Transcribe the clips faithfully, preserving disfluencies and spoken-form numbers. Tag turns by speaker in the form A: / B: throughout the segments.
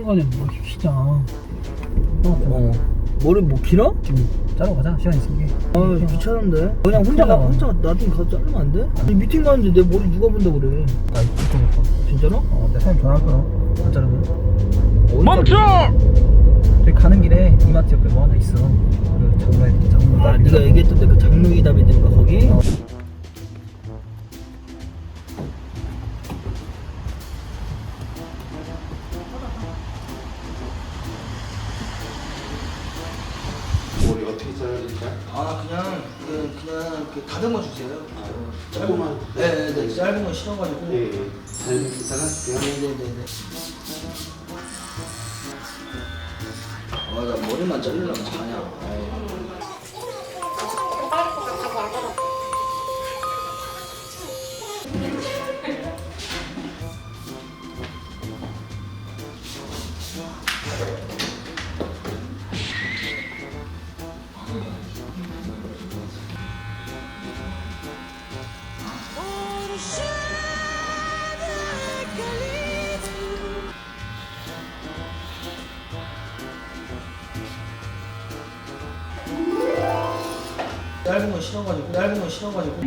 A: 시간에 뭐 진짜. 어,
B: 어. 머리 뭐 길어?
A: 지금 자러 가자. 시간 있으니까.
B: 아 귀찮은데. 그냥 혼자 가, 혼자 나중에 가서 자르면 안 돼? 아니, 미팅 가는데 내 머리 누가 본다 그래.
A: 나 이거 못 봐.
B: 진짜로?
A: 어, 내 사장님 전화할 거야. 안 자르면.
B: 멈춰!
A: 저기 가는 길에 이마트 옆에 뭐 하나 있어. 그 장로에 장로.
B: 아 네가 얘기했던데 그 장롱이 답이 되는 거 거기?
A: 어.
C: 머리 어떻게 잘라줄까?
B: 아 그냥 그 그냥 그 다듬어 주세요.
C: 조금만.
B: 네네네 짧은 거 싫어가지고.
C: 예, 예. 잘 잘라줄게요.
B: 네네네네. 아나 머리만 자르려면 자냐. 아이. 짧은 거 싫어가지고 짧은 거 싫어가지고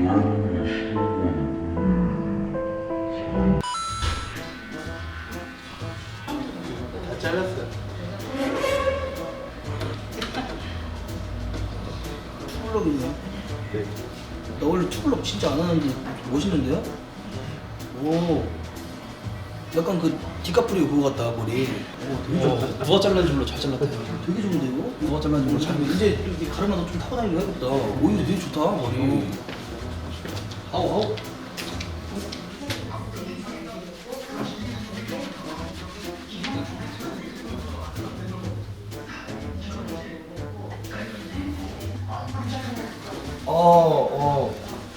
C: 다 잘랐어.
B: 투블럭이네.
C: 네.
B: 나 원래 투블럭 진짜 안 하는데 멋있는데요? 오 약간 그 디카프리오 그거 같다 머리. 오 되게 좋다.
D: 누가 잘랐는지 몰라 잘 잘랐다.
B: 되게 좋은데 이거?
D: 누가 잘랐는지 몰라 잘.
B: 이제 이렇게 가르마도 좀 타고 다니고 해야겠다. 오히려 되게 좋다 머리. 아우 아우. 어, 어.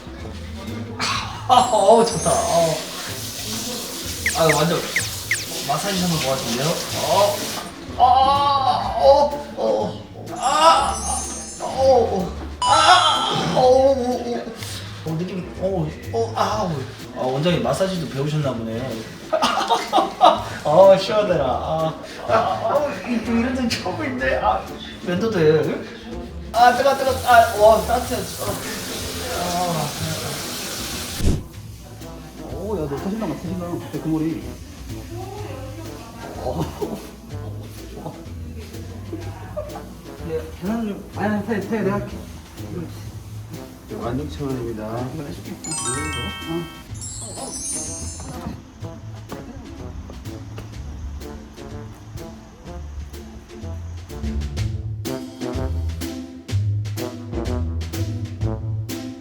B: 아, 어, 좋다. 어. 아, 완전 마사지 하는 것 같은데요? 어, 아, 어, 어, 아, 어, 어, 아, 어, 어, 어, 어, 느낌이, 어, 어, 아, 아, 원장님 마사지도 배우셨나 보네. 아, 시원해라. 아, 아, 아, 이런 데 처음인데, 아, 면도 돼. 아, 뜨거, 뜨거, 아, 와, 따뜻해. 아.
A: 오, 야, 너 터진다, 막 터진다. 갑자기 그 머리.
B: 네, 계산을 좀.
A: 아니, 태, 태, 내가 할게.
C: 만 육천 원입니다.
A: 이거 해줄게. 어.